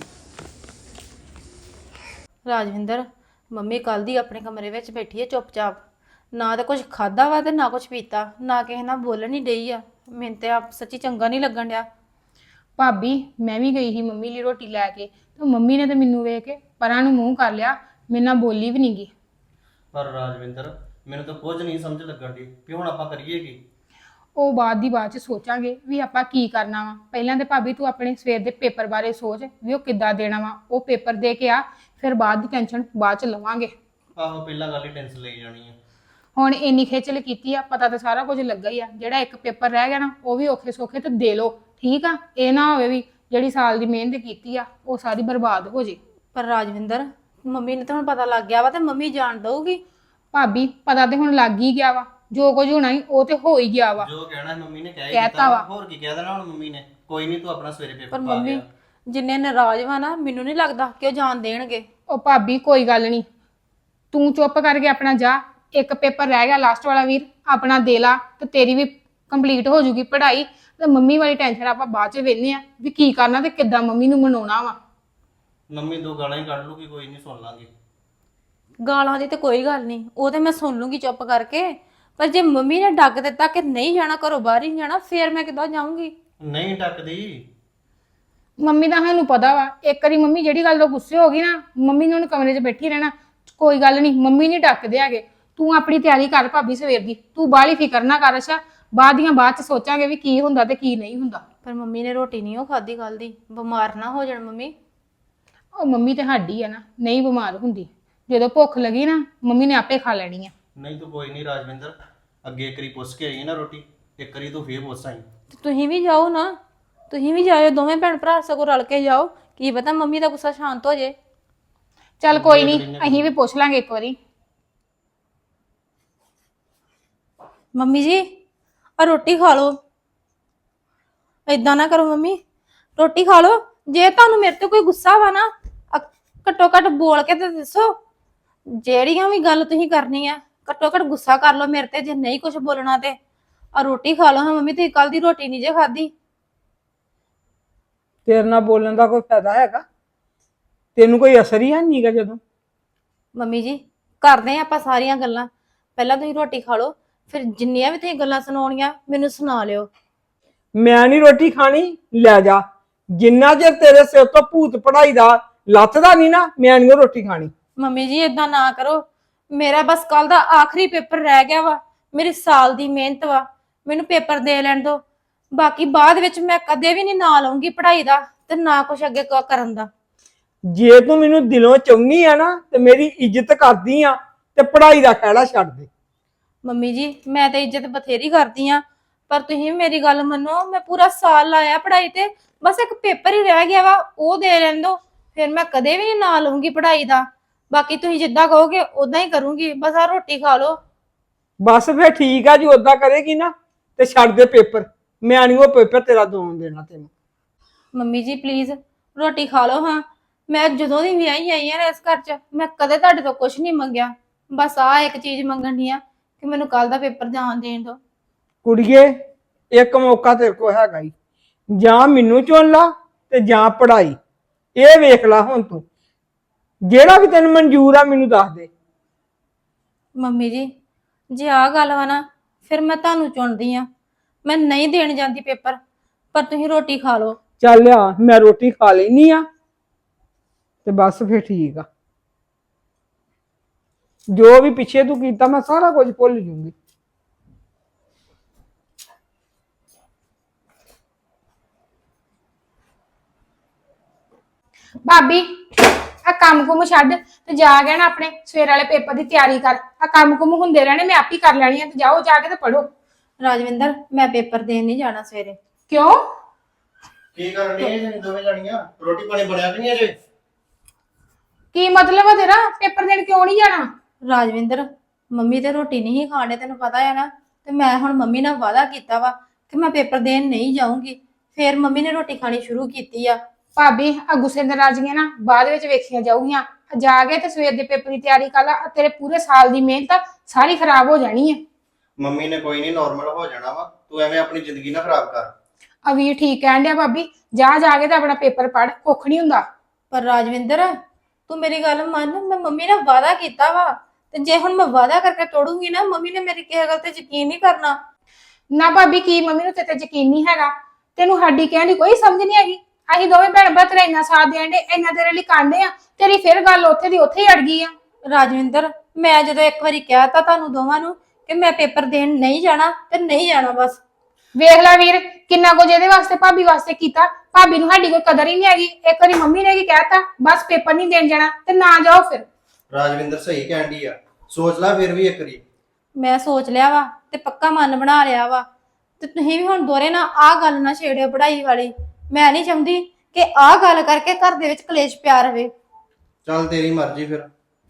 S2: ਰਾਜਵਿੰਦਰ, ਮੰਮੀ ਕੱਲ ਦੀ ਆਪਣੇ ਕਮਰੇ ਵਿੱਚ ਬੈਠੀ ਹੈ ਚੁੱਪਚਾਪ, ਨਾ ਤਾਂ ਕੁਝ ਖਾਦਾ ਵਾ ਤੇ ਨਾ ਕੁਝ ਪੀਤਾ, ਨਾ ਕਿਸੇ ਨਾਲ ਬੋਲਣ ਹੀ ਡਈ ਆ। ਮੈਨੂੰ ਤੇ ਆਪ ਸੱਚੀ ਚੰਗਾ ਨਹੀਂ ਲੱਗਣ ਡਿਆ।
S4: ਭਾਬੀ ਮੈਂ ਵੀ ਗਈ ਸੀ ਮੰਮੀ ਲਈ ਰੋਟੀ ਲੈ ਕੇ, ਤੇ ਮੰਮੀ ਨੇ ਤੇ ਮੈਨੂੰ ਵੇਖ ਕੇ ਪਰਾਂ ਨੂੰ ਮੂੰਹ ਕਰ ਲਿਆ, ਮੇਰੇ ਨਾਲ ਬੋਲੀ ਵੀ ਨਹੀਂ ਗਈ।
S3: ਪਰ ਰਾਜਵਿੰਦਰ, ਮੈਨੂੰ ਤਾਂ ਕੁਝ ਨਹੀਂ ਸਮਝ ਲੱਗਣ ਦੀ ਵੀ ਹੁਣ ਆਪਾਂ ਕਰੀਏ ਕੀ।
S4: ਉਹ ਬਾਅਦ ਚ ਸੋਚਾਂਗੇ ਵੀ ਆਪਾਂ ਕੀ ਕਰਨਾ ਵਾ। ਪਹਿਲਾਂ ਤੇ ਭਾਬੀ ਤੂੰ ਆਪਣੇ ਸਵੇਰ ਦੇ ਪੇਪਰ ਬਾਰੇ ਸੋਚ ਵੀ ਉਹ ਕਿੱਦਾਂ ਦੇਣਾ ਵਾ। ਉਹ ਪੇਪਰ ਦੇ ਕੇ ਆ, ਫਿਰ ਬਾਅਦ ਦੀ ਟੈਨਸ਼ਨ ਬਾਅਦ ਚ ਲਵਾਂਗੇ।
S3: ਆਹੋ, ਪਹਿਲਾਂ ਗੱਲ ਹੀ ਟੈਨਸ਼ਨ ਲਈ ਜਾਣੀ ਆ।
S4: ਹੁਣ ਇੰਨੀ ਖੇਚਲ ਕੀਤੀ ਆ, ਪਤਾ ਤਾਂ ਸਾਰਾ ਕੁਝ ਲੱਗਾ ਹੀ ਆ। ਜਿਹੜਾ ਇੱਕ ਪੇਪਰ ਰਹਿ ਗਿਆ ਨਾ, ਉਹ ਵੀ ਔਖੇ ਸੌਖੇ ਤੇ ਦੇ ਲੋ, ਠੀਕ ਆ। ਇਹ ਨਾ ਹੋਵੇ ਵੀ ਜਿਹੜੀ ਸਾਲ ਦੀ ਮਿਹਨਤ ਕੀਤੀ ਆ ਉਹ ਸਾਰੀ ਬਰਬਾਦ ਹੋ ਜੇ।
S2: ਪਰ ਰਾਜਵਿੰਦਰ, ਮੰਮੀ ਨੂੰ ਤਾਂ ਹੁਣ ਪਤਾ ਲੱਗ ਗਿਆ ਵਾ ਤੇ ਮੰਮੀ ਜਾਣ ਦਊਗੀ।
S4: ਭਾਬੀ ਪਤਾ ਤੇ ਹੁਣ ਲੱਗ ਹੀ ਗਿਆ ਵਾ, ਜੋ ਕੁਝ ਹੋਣਾ ਸੀ ਉਹ ਤੇ ਹੋ ਹੀ ਗਿਆ ਵਾ।
S3: ਜੋ ਕਹਿਣਾ ਮੰਮੀ ਨੇ
S4: ਕਹਿਤਾ ਵਾ।
S3: ਹੋਰ ਕੀ ਕਹਿ ਦੇਣਾ ਹੁਣ ਮੰਮੀ ਨੇ। ਕੋਈ ਨਹੀਂ, ਤੂੰ ਆਪਣਾ ਸਵੇਰੇ ਪੇਪਰ
S2: ਪਰ
S3: ਪਾ
S2: ਮੰਮੀ
S3: ਲਿਆ।
S2: ਜਿੰਨੇ ਨਾਰਾਜ਼ ਵਾ ਨਾ, ਮੈਨੂੰ ਨਹੀਂ ਲੱਗਦਾ ਕਿ ਉਹ ਜਾਣ ਦੇਣਗੇ।
S4: ਉਹ ਭਾਬੀ ਕੋਈ ਗੱਲ ਨਹੀਂ, ਤੂੰ ਚੁੱਪ ਕਰਕੇ ਆਪਣਾ ਜਾ। ਇੱਕ ਪੇਪਰ ਰਹਿ ਗਿਆ ਲਾਸਟ ਵਾਲਾ ਵੀਰ, ਆਪਣਾ ਦੇ ਲਾ ਤੇ ਤੇਰੀ ਵੀ ਕੰਪਲੀਟ ਹੋ ਜੂਗੀ ਪੜ੍ਹਾਈ। ਤੇ ਮੰਮੀ ਵਾਲੀ ਟੈਨਸ਼ਨ ਆਪਾਂ ਬਾਅਦ ਚ ਵੇਖਨੇ ਆ ਵੀ ਕੀ ਕਰਨਾ ਤੇ ਕਿੱਦਾਂ ਮੰਮੀ ਨੂੰ ਮਨਾਉਣਾ ਵਾ।
S3: ਮੰਮੀ 2 ਗਾਲਾਂ ਹੀ ਕੱਢ ਲੂਗੀ, ਕੋਈ ਨਹੀਂ, ਸੁਣ ਲਾਂਗੇ।
S2: ਗਾਲਾਂ ਦੀ ਤੇ ਕੋਈ ਗੱਲ ਨਹੀਂ, ਉਹ ਤੇ ਮੈਂ ਸੁਣ ਲੂੰਗੀ ਚੁੱਪ ਕਰਕੇ। ਪਰ ਜੇ ਮੰਮੀ ਨੇ ਡੱਕ ਦਿੱਤਾ ਕਿ ਨਹੀਂ ਜਾਣਾ, ਘਰੋਂ ਬਾਹਰ ਹੀ ਨਹੀਂ ਜਾਣਾ, ਫੇਰ ਮੈਂ ਕਿੱਦਾਂ ਜਾਊਂਗੀ?
S3: ਨਹੀਂ ਟੱਕਦੀ।
S4: ਮੰਮੀ ਦਾ ਸਾਨੂੰ ਪਤਾ ਵਾ, ਇੱਕ ਵਾਰੀ ਮੰਮੀ ਜਿਹੜੀ ਗੱਲ ਤੋਂ ਗੁੱਸੇ ਹੋ ਗਈ ਨਾ, ਮੰਮੀ ਨੇ ਉਹਨੂੰ ਕਮਰੇ 'ਚ ਬੈਠੀ ਰਹਿਣਾ। ਕੋਈ ਗੱਲ ਨਹੀਂ, ਮੰਮੀ ਨਹੀਂ ਡੱਕਦੇ ਹੈਗੇ। ਤੂੰ ਆਪਣੀ ਤਿਆਰੀ ਕਰ ਭਾਬੀ ਸਵੇਰ ਦੀ, ਤੂੰ ਬਾਹਲੀ ਫਿਕਰ ਨਾ ਕਰ। ਅੱਛਾ, ਬਾਅਦ ਚ ਸੋਚਾਂਗੇ ਵੀ ਕੀ ਹੁੰਦਾ ਤੇ ਕੀ ਨਹੀਂ ਹੁੰਦਾ।
S2: ਪਰ ਮੰਮੀ ਨੇ ਰੋਟੀ ਨਹੀਂ ਉਹ ਖਾਧੀ ਕੱਲ ਦੀ, ਬਿਮਾਰ ਨਾ ਹੋ ਜਾਣ ਮੰਮੀ।
S4: ਉਹ ਮੰਮੀ ਤੇ ਸਾਡੀ ਆ ਨਾ, ਨਹੀਂ ਬਿਮਾਰ ਹੁੰਦੀ। ਜਦੋਂ ਭੁੱਖ ਲੱਗੀ ਨਾ ਮੰਮੀ ਨੇ ਆਪੇ ਖਾ ਲੈਣੀ ਆ।
S5: ਨਹੀਂ ਤੂੰ ਕੋਈ ਨਹੀਂ ਰਾਜਵਿੰਦਰ, ਅੱਗੇ ਇੱਕ ਵਾਰੀ ਪੁੱਛ ਕੇ ਆਈ ਨਾ ਰੋਟੀ, ਇੱਕ ਵਾਰੀ ਤੂੰ ਫੇਰ ਪੁੱਛ ਆਈ।
S2: ਤੇ ਤੁਸੀਂ ਵੀ ਜਾਓ ਨਾ, ਤੁਸੀਂ ਵੀ ਜਾਇਓ, ਦੋਵੇਂ ਭੈਣ ਭਰਾ ਸਗੋਂ ਰਲ ਕੇ ਜਾਓ, ਕੀ ਪਤਾ ਮੰਮੀ ਦਾ ਗੁੱਸਾ ਸ਼ਾਂਤ ਹੋ ਜੇ।
S4: ਚੱਲ ਕੋਈ ਨਹੀਂ, ਅਸੀਂ ਵੀ ਪੁੱਛ ਲਾਂਗੇ ਇੱਕ ਵਾਰੀ।
S2: ਮੰਮੀ ਜੀ ਆ ਰੋਟੀ ਖਾ ਲਓ। ਏਦਾਂ ਨਾ ਕਰੋ ਮੰਮੀ, ਰੋਟੀ ਖਾ ਲਓ। ਜੇ ਤੁਹਾਨੂੰ ਮੇਰੇ ਤੇ ਕੋਈ ਗੁੱਸਾ ਵਾ ਨਾ, ਘੱਟੋ ਘੱਟ ਬੋਲ ਕੇ ਤੇ ਦੱਸੋ। ਜਿਹੜੀਆਂ ਵੀ ਗੱਲ ਤੁਸੀਂ ਕਰਨੀ ਆ ਘੱਟੋ ਘੱਟ ਗੁੱਸਾ ਕਰ ਲਓ ਮੇਰੇ ਤੇ, ਜੇ ਨਹੀਂ ਕੁਝ ਬੋਲਣਾ ਤੇ ਆ ਰੋਟੀ ਖਾ ਲਓ। ਹਾਂ ਮੰਮੀ, ਤੁਸੀਂ ਕੱਲ ਦੀ ਰੋਟੀ ਨਹੀਂ ਜੇ ਖਾਧੀ।
S1: ਤੇਰੇ ਨਾਲ ਬੋਲਣ ਦਾ ਕੋਈ ਫਾਇਦਾ ਹੈਗਾ? ਤੈਨੂੰ ਕੋਈ ਅਸਰ ਹੀ ਹੈ ਨਹੀਂਗਾ। ਜਦੋਂ
S2: ਮੰਮੀ ਜੀ ਕਰਦੇ ਆ ਆਪਾਂ ਸਾਰੀਆਂ ਗੱਲਾਂ, ਪਹਿਲਾਂ ਤੁਸੀਂ ਰੋਟੀ ਖਾ ਲਓ, ਫਿਰ ਜਿੰਨੀਆਂ ਵੀ ਤੁਸੀਂ ਗੱਲਾਂ ਸੁਣਾਉਣੀਆਂ ਮੈਨੂੰ ਸੁਣਾ ਲਿਓ।
S1: ਮੈਂ ਨਹੀਂ ਰੋਟੀ ਖਾਣੀ, ਲੈ ਜਾ। ਜਿੰਨਾ ਚਿਰ ਤੇਰੇ ਸਿਰ ਤੋਂ ਭੂਤ ਪੜਾਈ ਦਾ ਲੱਥਦਾ ਨਹੀਂ ਨਾ, ਮੈਂ ਨਹੀਂ ਰੋਟੀ ਖਾਣੀ।
S2: ਮੰਮੀ ਜੀ ਏਦਾਂ ਨਾ ਕਰੋ, ਮੇਰਾ ਬਸ ਕੱਲ ਦਾ ਆਖਰੀ ਪੇਪਰ ਰਹਿ ਗਿਆ ਵਾ, ਮੇਰੀ ਸਾਲ ਦੀ ਮਿਹਨਤ ਵਾ, ਮੈਨੂੰ ਪੇਪਰ ਦੇ ਲੈਣ ਦਿਓ। ਬਾਕੀ ਬਾਅਦ ਵਿੱਚ ਮੈਂ ਕਦੇ ਵੀ ਨਹੀਂ ਨਾਂ ਲਾਉਂਗੀ ਪੜ੍ਹਾਈ ਦਾ, ਤੇ ਨਾ ਕੁਛ ਅੱਗੇ ਕਰਨ ਦਾ।
S1: ਜੇ ਤੂੰ ਮੈਨੂੰ ਦਿਲੋਂ ਚਾਹੁੰਦੀ ਆ ਨਾ ਤੇ ਮੇਰੀ ਇੱਜ਼ਤ ਕਰਦੀ ਆ ਤੇ ਪੜ੍ਹਾਈ ਦਾ ਖਹਿੜਾ ਛੱਡ ਦੇ।
S2: ਮੰਮੀ ਜੀ ਮੈਂ ਤਾਂ ਇੱਜ਼ਤ ਬਥੇਰੀ ਕਰਦੀ ਆ, ਪਰ ਤੁਸੀਂ ਮੇਰੀ ਗੱਲ ਮੰਨੋ, ਮੈਂ ਪੂਰਾ ਸਾਲ ਲਾਇਆ ਪੜ੍ਹਾਈ ਤੇ, ਬਸ ਇੱਕ ਪੇਪਰ ਹੀ ਰਹਿ ਗਿਆ ਵਾ, ਉਹ ਦੇ ਲੈਣ ਦਿਓ, ਫਿਰ ਮੈਂ ਕਦੇ ਵੀ ਨਹੀਂ ਨਾਂ ਲਊਂਗੀ ਪੜ੍ਹਾਈ ਦਾ। ਬਾਕੀ ਤੁਸੀਂ ਜਿੱਦਾਂ ਕਹੋਗੇ ਉਦਾਂ ਹੀ ਕਰੂੰਗੀ, ਬਸ ਆ ਰੋਟੀ ਖਾ ਲਓ।
S1: ਬਸ ਫਿਰ ਠੀਕ ਆ, ਜੀ ਓਦਾਂ ਕਰੇਗੀ ਨਾ ਤੇ ਛੱਡ ਦੇ ਪੇਪਰ। ਮੈਂ ਨਹੀਂ ਉਹ ਪੇਪਰ ਤੇਰਾ ਦੋਣ ਦੇਣਾ ਤੈਨੂੰ।
S2: ਮੰਮੀ ਜੀ ਪਲੀਜ਼ ਰੋਟੀ ਖਾ ਲਓ। ਹਾਂ ਮੈਂ ਜਦੋਂ ਦੀ ਵਿਆਹੀ ਆਈ ਆ ਇਸ ਘਰ 'ਚ, ਮੈਂ ਕਦੇ ਤੁਹਾਡੇ ਤੋਂ ਕੁਝ ਨਹੀਂ ਮੰਗਿਆ, ਬਸ ਆ ਇੱਕ ਚੀਜ਼ ਮੰਗਣ ਦੀ ਆ ਕਿ ਮੈਨੂੰ ਕੱਲ ਦਾ ਪੇਪਰ ਜਾਣ ਦੇਣ ਦਿਓ।
S1: ਕੁੜੀਏ, ਇੱਕ ਮੌਕਾ ਤੇਰੇ ਕੋਲ ਹੈਗਾ ਹੀ, ਜਾਂ ਮੈਨੂੰ ਚੁਣ ਲਾ ਤੇ ਜਾਂ ਪੜ੍ਹਾਈ। ਇਹ ਵੇਖ ਲਾ ਹੁਣ ਤੂੰ, ਜਿਹੜਾ ਵੀ ਤੈਨੂੰ ਮਨਜ਼ੂਰ ਆ ਮੈਨੂੰ ਦੱਸ ਦੇ।
S2: ਮੰਮੀ ਜੀ ਜੇ ਆ ਗੱਲ ਵਾ ਨਾ, ਫਿਰ ਮੈਂ ਤੁਹਾਨੂੰ ਚੁਣਦੀ ਆ, ਮੈਂ ਨਹੀਂ ਦੇਣ ਜਾਂਦੀ ਪੇਪਰ, ਪਰ ਤੁਸੀਂ ਰੋਟੀ ਖਾ ਲਓ।
S1: ਚੱਲ ਆ, ਮੈਂ ਰੋਟੀ ਖਾ ਲੈਣੀ ਆ ਤੇ ਬਸ ਫਿਰ ਠੀਕ ਆ। ਜੋ ਵੀ ਪਿੱਛੇ ਤੂੰ ਕੀਤਾ ਮੈਂ ਸਾਰਾ ਕੁਝ ਭੁੱਲ ਜੂੰਗੀ।
S4: ਭਾਬੀ ਆ ਕੰਮ ਕੁਮ ਛੱਡ ਤੇ ਜਾ ਕੇ ਨਾ ਆਪਣੇ ਸਵੇਰ ਵਾਲੇ ਪੇਪਰ ਦੀ ਤਿਆਰੀ ਕਰ। ਆ ਕੰਮ ਕੁਮ ਹੁੰਦੇ ਰਹਿਣੇ, ਮੈਂ ਆਪ ਹੀ ਕਰ ਲੈਣੀ ਆ। ਤੇ ਜਾਓ ਜਾ ਕੇ ਤੇ ਪੜੋ।
S2: ਰਾਜਵਿੰਦਰ ਮੈਂ ਪੇਪਰ ਦੇਣ ਨਹੀਂ ਜਾਣਾ ਸਵੇਰੇ।
S4: ਕਿਉਂ?
S5: ਕੀ ਕਰਨ ਡਈ ਜੇ ਦੋਵੇਂ ਜਾਣੀਆਂ? ਰੋਟੀ ਪਾਣੀ ਬਣਿਆ ਕਿ ਨਹੀਂ ਅਜੇ?
S4: ਕੀ ਮਤਲਬ ਆ ਤੇਰਾ? ਪੇਪਰ ਦੇਣ ਕਿਉਂ ਨਹੀਂ ਜਾਣਾ?
S2: ਰਾਜਵਿੰਦਰ ਮੰਮੀ ਤੇ ਰੋਟੀ ਨਹੀਂ ਖਾਣੇ, ਤੈਨੂੰ ਪਤਾ ਹੈ ਨਾ, ਤੇ ਮੈਂ ਹੁਣ ਮੰਮੀ ਨਾਲ ਵਾਅਦਾ ਕੀਤਾ ਵਾ ਕਿ ਮੈਂ ਪੇਪਰ ਦੇਣ ਨਹੀਂ ਜਾਊਂਗੀ। ਫਿਰ ਮੰਮੀ ਨੇ ਰੋਟੀ ਖਾਣੀ ਸ਼ੁਰੂ ਕੀਤੀ ਆ।
S4: ਭਾਬੀ ਆ ਗੁੱਸੇ ਨਾਰਾਜ਼ਗੀਆਂ ਨਾ ਬਾਅਦ ਵਿੱਚ ਵੇਖੀਆਂ ਜਾਊਗੀਆਂ। ਜਾ ਕੇ ਤੇ ਸਵੇਰ ਦੇ ਪੇਪਰ ਦੀ ਤਿਆਰੀ ਕਰ ਲਾ। ਤੇਰੇ ਪੂਰੇ ਸਾਲ ਦੀ ਮਿਹਨਤ ਸਾਰੀ ਖਰਾਬ ਹੋ ਜਾਣੀ ਹੈ।
S5: ਮੰਮੀ ਨੇ ਕੋਈ ਨਹੀਂ ਨਾਰਮਲ ਹੋ ਜਾਣਾ ਵਾ, ਤੂੰ ਐਵੇਂ ਆਪਣੀ ਜ਼ਿੰਦਗੀ ਨਾ ਖਰਾਬ ਕਰ।
S4: ਆ ਵੀਰ ਠੀਕ ਕਹਿਣ ਡਿਆ ਭਾਬੀ, ਜਾ ਕੇ ਤੇ ਆਪਣਾ ਪੇਪਰ ਪੜ, ਕੁੱਖ ਨਹੀਂ ਹੁੰਦਾ।
S2: ਪਰ ਰਾਜਵਿੰਦਰ ਤੂੰ ਮੇਰੀ ਗੱਲ ਮੰਨ, ਮੈਂ ਮੰਮੀ ਨਾਲ ਵਾਅਦਾ ਕੀਤਾ ਵਾ, ਤੇ ਜੇ ਹੁਣ ਮੈਂ ਵਾਅਦਾ ਕਰਕੇ ਤੋੜੂੰਗੀ ਨਾ, ਮੰਮੀ ਨੇ ਮੇਰੀ ਕਿਸੇ ਗੱਲ ਤੇ ਯਕੀਨ ਨਹੀਂ ਕਰਨਾ।
S4: ਨਾ ਭਾਬੀ, ਕੀ ਮੰਮੀ ਨੂੰ ਤੇਰੇ ਤੇ ਯਕੀਨ ਨਹੀਂ ਹੈਗਾ? ਤੈਨੂੰ ਸਾਡੀ ਕਹਿਣ ਦੀ ਕੋਈ ਸਮਝ ਨਹੀਂ ਹੈਗੀ। ਅਸੀਂ ਦੋਵੇਂ ਭੈਣ ਭਰਾ ਤੇਰਾ ਇੰਨਾ ਸਾਥ ਦੇਣ ਦੇ, ਇੰਨਾ ਤੇਰੇ ਲਈ ਕਾਂਡੇ ਆ, ਤੇਰੀ ਫਿਰ ਗੱਲ ਉੱਥੇ ਦੀ ਉੱਥੇ ਹੀ ਅੜ ਗਈ ਆ।
S2: ਰਾਜਵਿੰਦਰ ਮੈਂ ਜਦੋਂ ਇੱਕ ਵਾਰੀ ਕਹਿਤਾ ਤੁਹਾਨੂੰ ਦੋਵਾਂ ਨੂੰ ਕਿ ਮੈਂ ਪੇਪਰ ਦੇਣ ਨਹੀਂ ਜਾਣਾ, ਤੇ ਨਹੀਂ ਜਾਣਾ ਬਸ।
S4: ਵੇਖ ਲੈ ਵੀਰ, ਕਿੰਨਾ ਕੁਝ ਇਹਦੇ ਵਾਸਤੇ ਭਾਬੀ ਵਾਸਤੇ ਕੀਤਾ। ਭਾਬੀ ਨੂੰ ਸਾਡੀ ਕੋਈ ਕਦਰ ਹੀ ਨਹੀਂ ਹੈਗੀ। ਇੱਕ ਵਾਰੀ ਮੰਮੀ ਨੇ ਕੀ ਕਹਿਤਾ, ਬਸ ਪੇਪਰ ਨਹੀਂ ਦੇਣ ਜਾਣਾ ਤੇ ਨਾ ਜਾਓ। ਫਿਰ
S5: ਰਾਜਵਿੰਦਰ ਸਹੀ ਕਹਿਣ ਡਈ ਆ, ਸੋਚ ਲੈ ਫਿਰ ਵੀ ਇੱਕ ਵਾਰੀ।
S2: ਮੈਂ ਸੋਚ ਲਿਆ ਵਾ ਤੇ ਪੱਕਾ ਮਨ ਬਣਾ ਲਿਆ ਵਾ, ਤੇ ਤੁਸੀਂ ਵੀ ਹੁਣ ਦੋਰੇ ਨਾ ਆਹ ਗੱਲ ਨਾ ਛੇੜਿਓ ਪੜ੍ਹਾਈ ਵਾਲੀ। ਮੈਂ ਨਹੀਂ ਚਾਹੁੰਦੀ ਕਿ ਆਹ ਗੱਲ ਕਰਕੇ ਘਰ ਦੇ ਵਿੱਚ ਕਲੇਸ਼ ਪਿਆ ਰਵੇ।
S5: ਚੱਲ ਤੇਰੀ ਮਰਜ਼ੀ ਫਿਰ।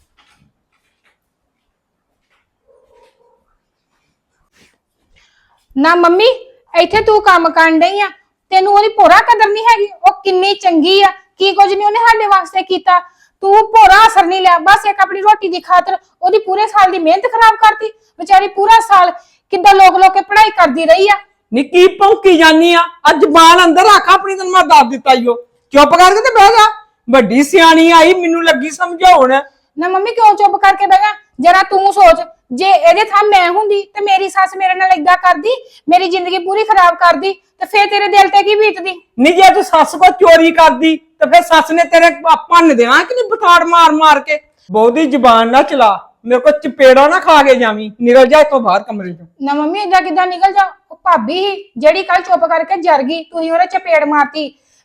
S4: ਨਾ ਮੰਮੀ, ਇੱਥੇ ਤੂੰ ਕੰਮ ਕਰਨ ਡਈ ਆ, ਤੈਨੂੰ ਉਹਦੀ ਭੋਰਾ ਕਦਰ ਨਹੀਂ ਹੈਗੀ। ਉਹ ਕਿੰਨੀ ਚੰਗੀ ਆ, ਕੀ ਕੁਝ ਨਹੀਂ ਉਹਨੇ ਸਾਡੇ ਵਾਸਤੇ ਕੀਤਾ। ਤੂੰ ਭੋਰਾ ਅਸਰ ਨਹੀਂ ਲਿਆ, ਬਸ ਇੱਕ ਆਪਣੀ ਰੋਟੀ ਦੀ ਖਾਤਰ ਉਹਦੀ ਪੂਰੇ ਸਾਲ ਦੀ ਮਿਹਨਤ ਖਰਾਬ ਕਰਤੀ। ਵਿਚਾਰੀ ਪੂਰਾ ਸਾਲ ਕਿੱਦਾਂ ਲੋਕ ਕੇ ਪੜ੍ਹਾਈ ਕਰਦੀ ਰਹੀ ਆ।
S1: ਨਿੱਕੀ ਭੌਂਕੀ ਜਾਨੀ ਆ, ਅੱਜ ਜ਼ਬਾਨ ਅੰਦਰ ਰੱਖ ਆਪਣੀ। ਤੈਨੂੰ ਮੈਂ ਦੱਸ ਦਿੱਤਾ ਈਓ, ਚੁੱਪ ਕਰਕੇ ਤੇ ਬਹਿ ਜਾ। ਵੱਡੀ ਸਿਆਣੀ ਆਈ, ਮੈਨੂੰ ਲੱਗੀ ਸਮਝਾਉਣ।
S4: ਨਾ ਮੰਮੀ ਕਿਉਂ ਚੁੱਪ ਕਰਕੇ ਬਹਿ ਜਾ? ਜਰਾ ਤੂੰ ਸੋਚ, ਜੇ ਇਹਦੇ ਥਾਂ ਮੈਂ ਹੁੰਦੀ ਤੇ ਮੇਰੀ ਸੱਸ ਮੇਰੇ ਨਾਲ ਏਦਾਂ ਕਰਦੀ, ਮੇਰੀ ਜ਼ਿੰਦਗੀ ਪੂਰੀ ਖਰਾਬ ਕਰਦੀ, ਤੇ ਫੇਰ ਤੇਰੇ ਦਿਲ ਤੇ ਕੀ ਬੀਤਦੀ?
S1: ਨਹੀਂ, ਜੇ ਤੂੰ ਸੱਸ ਕੋ ਚੋਰੀ ਕਰਦੀ ਤੇ ਫਿਰ ਸੱਸ ਨੇ ਤੇਰੇ ਭੰਨ ਦੇਣਾ ਕਿ ਨਹੀਂ, ਬਤਾੜ ਮਾਰ ਮਾਰ ਕੇ। ਬਹੁਤੀ ਜ਼ਬਾਨ ਨਾ ਚਲਾ, ਮੇਰੇ ਕੋ ਚਪੇੜਾ ਨਾ ਖਾ ਕੇ ਜਾਵੀਂ। ਨਿਕਲ ਜਾ ਇੱਥੋਂ ਬਾਹਰ ਕਮਰੇ ਚੋਂ।
S4: ਨਾ ਮੰਮੀ ਏਦਾਂ ਕਿੱਦਾਂ ਨਿਕਲ ਜਾ? ਉਹ ਭਾਬੀ ਹੀ ਜਿਹੜੀ ਕੱਲ ਚੁੱਪ ਕਰਕੇ ਜਰ ਗਈ, ਤੁਸੀਂ ਉਹਦੇ ਚਪੇੜ ਮਾਰਤੀ।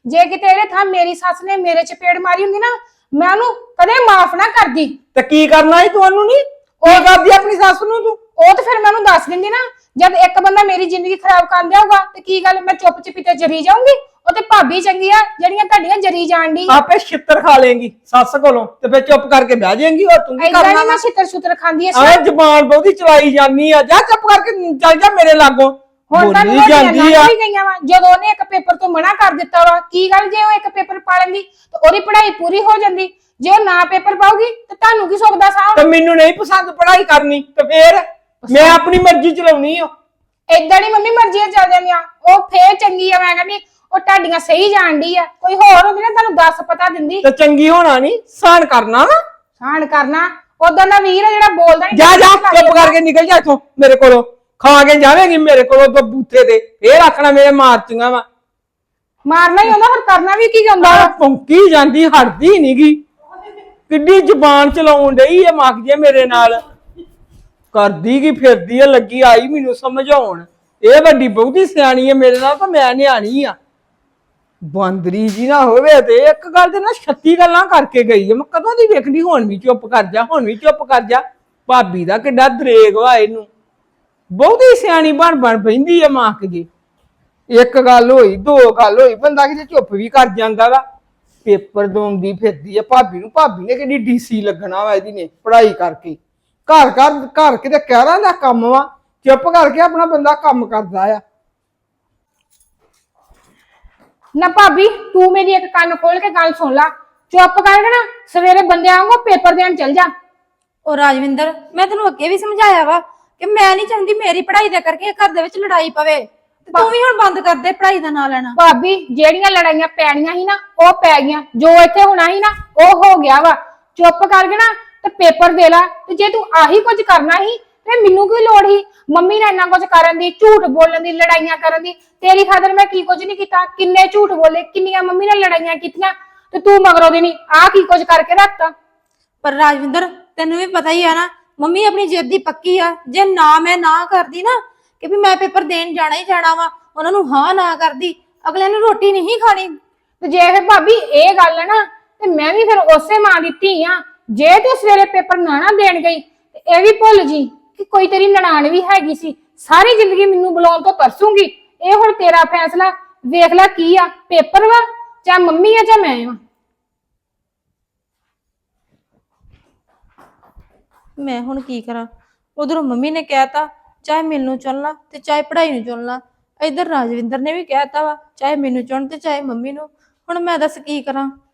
S4: ਜੇ ਕਿਤੇ ਇਹਦੇ ਥਾਂ ਮੇਰੀ ਸੱਸ ਨੇ ਮੇਰੇ ਚਪੇੜ ਮਾਰੀ ਹੁੰਦੀ ਨਾ ਮੈਂ ਉਹਨੂੰ ਕਦੇ ਮਾਫ ਨਾ ਕਰਦੀ।
S1: ਤੇ ਕੀ ਕਰਨਾ ਸੀ ਤੁਹਾਨੂੰ ਨਹੀਂ ਉਹ ਕਰਦੀ ਆਪਣੀ ਸੱਸ ਨੂੰ ਤੂੰ?
S4: ਉਹ ਤੇ ਫਿਰ ਮੈਂ ਉਹਨੂੰ ਦੱਸ ਦਿੰਦੀ ਨਾ, ਜਦ ਇੱਕ ਬੰਦਾ ਮੇਰੀ ਜ਼ਿੰਦਗੀ ਖਰਾਬ ਕਰ ਦਿਆਊਗਾ ਤੇ ਕੀ ਗੱਲ ਮੈਂ ਚੁੱਪ ਚਪੀਤੇ ਜਰੀ ਜਾਊਂਗੀ? ਉਹ ਤੇ ਭਾਬੀ ਚੰਗੀ ਆ ਜਿਹੜੀਆਂ ਤੁਹਾਡੀਆਂ ਜਰੀ ਜਾਣ ਦੀ।
S1: ਆਪੇ ਛਿੱਤਰ ਖਾ ਲੇਂਗੀ ਸੱਸ ਕੋਲੋਂ ਤੇ ਫਿਰ ਚੁੱਪ ਕਰਕੇ ਬਹਿ ਜਾਏਂਗੀ। ਹੋਰ ਤੂੰ ਕੀ
S4: ਏਦਾਂ
S1: ਕਰਨਾ?
S4: ਨਹੀਂ ਮੈਂ ਛਿੱਤਰ ਛੁੱਤਰ ਖਾਂਦੀ ਐ।
S1: ਆਹ ਜ਼ਬਾਨ ਬਹੁਤੀ ਚਲਾਈ ਜਾਂਦੀ ਆ, ਜਾ ਚੁੱਪ ਕਰਕੇ ਚੱਲ ਜਾ ਮੇਰੇ ਲਾਗੋਂ।
S4: ਹੁਣ ਤਾਂ
S1: ਬੋਲੀ ਜਾਂਦੀ ਆ।
S4: ਵੀ ਗਈਆਂ ਵਾ ਜਦੋਂ ਉਹਨੇ ਇੱਕ ਪੇਪਰ ਤੋਂ ਮਨਾ ਕਰ ਦਿੱਤਾ ਵਾ। ਕੀ ਗੱਲ ਜੇ ਉਹ ਇੱਕ ਪੇਪਰ ਪਾ ਲੈਂਦੀ ਤੇ ਉਹਦੀ ਪੜ੍ਹਾਈ ਪੂਰੀ ਹੋ ਜਾਂਦੀ। ਜੇ ਉਹ ਨਾ ਪੇਪਰ ਪਾਉਗੀ ਤੇ ਤੁਹਾਨੂੰ ਕੀ ਸੁੱਖ ਦਾ ਸਾਹ?
S1: ਤੇ ਮੈਨੂੰ ਨਹੀਂ ਪਸੰਦ ਪੜ੍ਹਾਈ ਕਰਨੀ ਤੇ ਫੇਰ ਮੈਂ ਆਪਣੀ ਮਰਜ਼ੀ ਚਲਾਉਣੀ ਆ।
S4: ਏਦਾਂ ਨਹੀਂ ਮੰਮੀ ਮਰਜ਼ੀਆਂ ਚੱਲ ਜਾਂਦੀਆਂ। ਉਹ ਫੇਰ ਚੰਗੀ ਆ, ਮੈਂ ਕਹਿੰਦੀ ਉਹ ਤੁਹਾਡੀਆਂ ਸਹੀ ਜਾਣਦੀ ਆ। ਕੋਈ ਹੋਰ ਹੁੰਦੀ ਨਾ ਤੁਹਾਨੂੰ ਦੱਸ ਪਤਾ ਦਿੰਦੀ।
S1: ਤੇ ਚੰਗੀ ਹੋਣਾ ਨਹੀਂ ਸਾਨ ਕਰਨਾ ਵਾ।
S4: ਸਾਨ ਕਰਨਾ ਉਦੋਂ ਦਾ ਵੀਰ ਆ ਜਿਹੜਾ ਬੋਲਦਾ ਨਹੀਂ।
S1: ਜਾ ਜਾ ਚੁੱਪ ਕਰਕੇ ਨਿਕਲ ਜਾ ਇੱਥੋਂ ਮੇਰੇ ਕੋਲੋਂ। ਖਾ ਕੇ ਜਾਵੇਂਗੀ ਮੇਰੇ ਕੋਲੋਂ ਤਾਂ ਬੂਥੇ ਤੇ ਫੇਰ ਆਖਣਾ ਮੇਰੇ ਮਾਰਤੀਆਂ ਵਾ।
S4: ਮਾਰਨਾ ਹੀ ਹੁੰਦਾ, ਫਿਰ ਕਰਨਾ ਵੀ ਕੀ ਜਾਂਦਾ ਵਾ।
S1: ਭੌਂਕੀ ਜਾਂਦੀ ਹਟਦੀ ਨਹੀਂਗੀ। ਕਿੱਡੀ ਜ਼ੁਬਾਨ ਚਲਾਉਣ ਡਈ ਆ ਮੱਕ ਜੇ ਮੇਰੇ ਨਾਲ। ਕਰਦੀ ਕੀ ਫਿਰਦੀ ਆ, ਲੱਗੀ ਆਈ ਮੈਨੂੰ ਸਮਝਾਉਣ। ਇਹ ਵੱਡੀ ਬਹੁਤੀ ਸਿਆਣੀ ਆ ਮੇਰੇ ਨਾਲ ਤਾਂ ਮੈਂ ਨਿਆਣੀ ਆ। ਬਾਂਦਰੀ ਜੀ ਨਾ ਹੋਵੇ ਤੇ ਇੱਕ ਗੱਲ ਤੇ ਨਾ 36 ਗੱਲਾਂ ਕਰਕੇ ਗਈ ਆ। ਮੈਂ ਕਦੋਂ ਦੀ ਵੇਖਣੀ, ਹੁਣ ਵੀ ਚੁੱਪ ਕਰ ਜਾ, ਹੁਣ ਵੀ ਚੁੱਪ ਕਰ ਜਾ। ਭਾਬੀ ਦਾ ਕਿੱਡਾ ਦਰੇਗ ਵਾ ਇਹਨੂੰ। ਬਹੁਤੀ ਸਿਆਣੀ ਬਣ ਬਣ ਪੈਂਦੀ ਆ ਮਾਂ ਜੀ। ਇੱਕ ਗੱਲ ਹੋਈ, ਦੋ ਗੱਲ ਹੋਈ, ਬੰਦਾ ਕਿਤੇ ਚੁੱਪ ਵੀ ਕਰ ਜਾਂਦਾ ਵਾ। ਪੇਪਰ ਦੋਂਦੀ ਫਿਰਦੀ ਆ ਭਾਬੀ ਨੂੰ। ਭਾਬੀ ਨੇ ਕਿਹੜੀ ਡੀਸੀ ਲੱਗਣਾ ਵਾ ਇਹਦੀ ਨੇ ਪੜ੍ਹਾਈ ਕਰਕੇ। ਘਰ ਘਰ ਕਿਤੇ ਕਹਿਰਾਂ ਦਾ ਕੰਮ ਵਾ। ਚੁੱਪ ਕਰਕੇ ਆਪਣਾ ਬੰਦਾ ਕੰਮ ਕਰਦਾ ਆ।
S4: ਨਾ ਭਾਬੀ ਤੂੰ ਮੇਰੀ ਇੱਕ ਕੰਨ ਖੋਲ ਕੇ ਗੱਲ ਸੁਣ ਲਾ। ਚੁੱਪ ਕਰਕੇ ਨਾ ਸਵੇਰੇ ਬੰਦੇ ਆਉਂਗਾ ਪੇਪਰ ਦੇਣ ਚਲ ਜਾ।
S2: ਉਹ ਰਾਜਵਿੰਦਰ, ਮੈਂ ਤੈਨੂੰ ਅੱਗੇ ਵੀ ਸਮਝਾਇਆ ਵਾ ਕਿ ਮੈਂ ਨਹੀਂ ਚਾਹੁੰਦੀ ਮੇਰੀ ਪੜ੍ਹਾਈ ਦਾ ਕਰਕੇ ਘਰ ਦੇ ਵਿੱਚ ਲੜਾਈ ਪਵੇ। ਤੇ ਤੂੰ ਵੀ ਹੁਣ ਬੰਦ ਕਰ ਦੇ ਪੜ੍ਹਾਈ ਦਾ ਨਾਂ ਲੈਣਾ।
S4: ਭਾਬੀ ਜਿਹੜੀਆਂ ਲੜਾਈਆਂ ਪੈਣੀਆਂ ਸੀ ਨਾ ਉਹ ਪੈ ਗਈਆਂ। ਜੋ ਇੱਥੇ ਹੋਣਾ ਸੀ ਨਾ ਉਹ ਹੋ ਗਿਆ ਵਾ। ਚੁੱਪ ਕਰਕੇ ਨਾ ਤੇ ਪੇਪਰ ਦੇ ਲਾ। ਤੇ ਜੇ ਤੂੰ ਆਹੀ ਕੁਝ ਕਰਨਾ ਸੀ ਤੇ ਮੈਨੂੰ ਕੀ ਲੋੜ ਸੀ ਮੰਮੀ ਨਾਲ ਇੰਨਾ ਕੁਝ ਕਰਨ ਦੀ, ਝੂਠ ਬੋਲਣ ਦੀ, ਲੜਾਈਆਂ ਕਰਨ ਦੀ? ਤੇਰੀ ਖਾਤਰ ਮੈਂ ਕੀ ਕੁਝ ਨਹੀਂ ਕੀਤਾ। ਕਿੰਨੇ ਝੂਠ ਬੋਲੇ, ਕਿੰਨੀਆਂ ਮੰਮੀ ਨਾਲ ਲੜਾਈਆਂ ਕੀਤੀਆਂ ਤੇ ਤੂੰ ਮਗਰੋਂ ਦੀ ਨਹੀਂ ਆਹ ਕੀ ਕੁਝ ਕਰਕੇ ਰੱਖਤਾ।
S2: ਪਰ ਰਾਜਵਿੰਦਰ ਤੈਨੂੰ ਵੀ ਪਤਾ ਹੀ ਆ ਨਾ, ਮੰਮੀ ਆਪਣੀ ਜਿੱਦ ਦੀ ਪੱਕੀ ਆ। ਜੇ ਮੈਂ ਨਾ ਕਰਦੀ ਨਾ ਕਿ ਵੀ ਮੈਂ ਪੇਪਰ ਦੇਣ ਜਾਣਾ ਹੀ ਜਾਣਾ ਵਾ, ਉਹਨਾਂ ਨੂੰ ਹਾਂ ਨਾ ਕਰਦੀ, ਅਗਲੇ ਨੂੰ ਰੋਟੀ ਨਹੀਂ ਖਾਣੀ।
S4: ਤੇ ਜੇ ਫਿਰ ਭਾਬੀ ਇਹ ਗੱਲ ਹੈ ਨਾ ਤੇ ਮੈਂ ਵੀ ਫਿਰ ਉਸੇ ਮਾਂ ਦੀ ਧੀ ਆ। ਜੇ ਤੂੰ ਸਵੇਰੇ ਪੇਪਰ ਨਾ ਦੇਣ ਗਈ ਤੇ ਇਹ ਵੀ ਭੁੱਲ ਜੀ ਕਿ ਕੋਈ ਤੇਰੀ ਨਨਾਣ ਵੀ ਹੈਗੀ ਸੀ। ਸਾਰੀ ਜ਼ਿੰਦਗੀ ਮੈਨੂੰ ਬੁਲਾਉਣ ਤੋਂ ਤਰਸੂਗੀ। ਇਹ ਹੁਣ ਤੇਰਾ ਫੈਸਲਾ। ਵੇਖ ਲੈ ਕੀ ਆ, ਪੇਪਰ ਵਾ ਚਾਹੇ ਮੰਮੀ ਆ ਚਾਹੇ ਮੈਂ ਆ।
S2: ਮੈਂ ਹੁਣ ਕੀ ਕਰਾਂ? ਉਧਰੋਂ ਮੰਮੀ ਨੇ ਕਹਿਤਾ ਚਾਹੇ ਮੈਨੂੰ ਚੁਣਨਾ ਤੇ ਚਾਹੇ ਪੜ੍ਹਾਈ ਨੂੰ ਚੁਣਨਾ। ਇੱਧਰ ਰਾਜਵਿੰਦਰ ਨੇ ਵੀ ਕਹਿਤਾ ਵਾ ਚਾਹੇ ਮੈਨੂੰ ਚੁਣ ਤੇ ਚਾਹੇ ਮੰਮੀ ਨੂੰ। ਹੁਣ ਮੈਂ ਦੱਸ ਕੀ ਕਰਾਂ?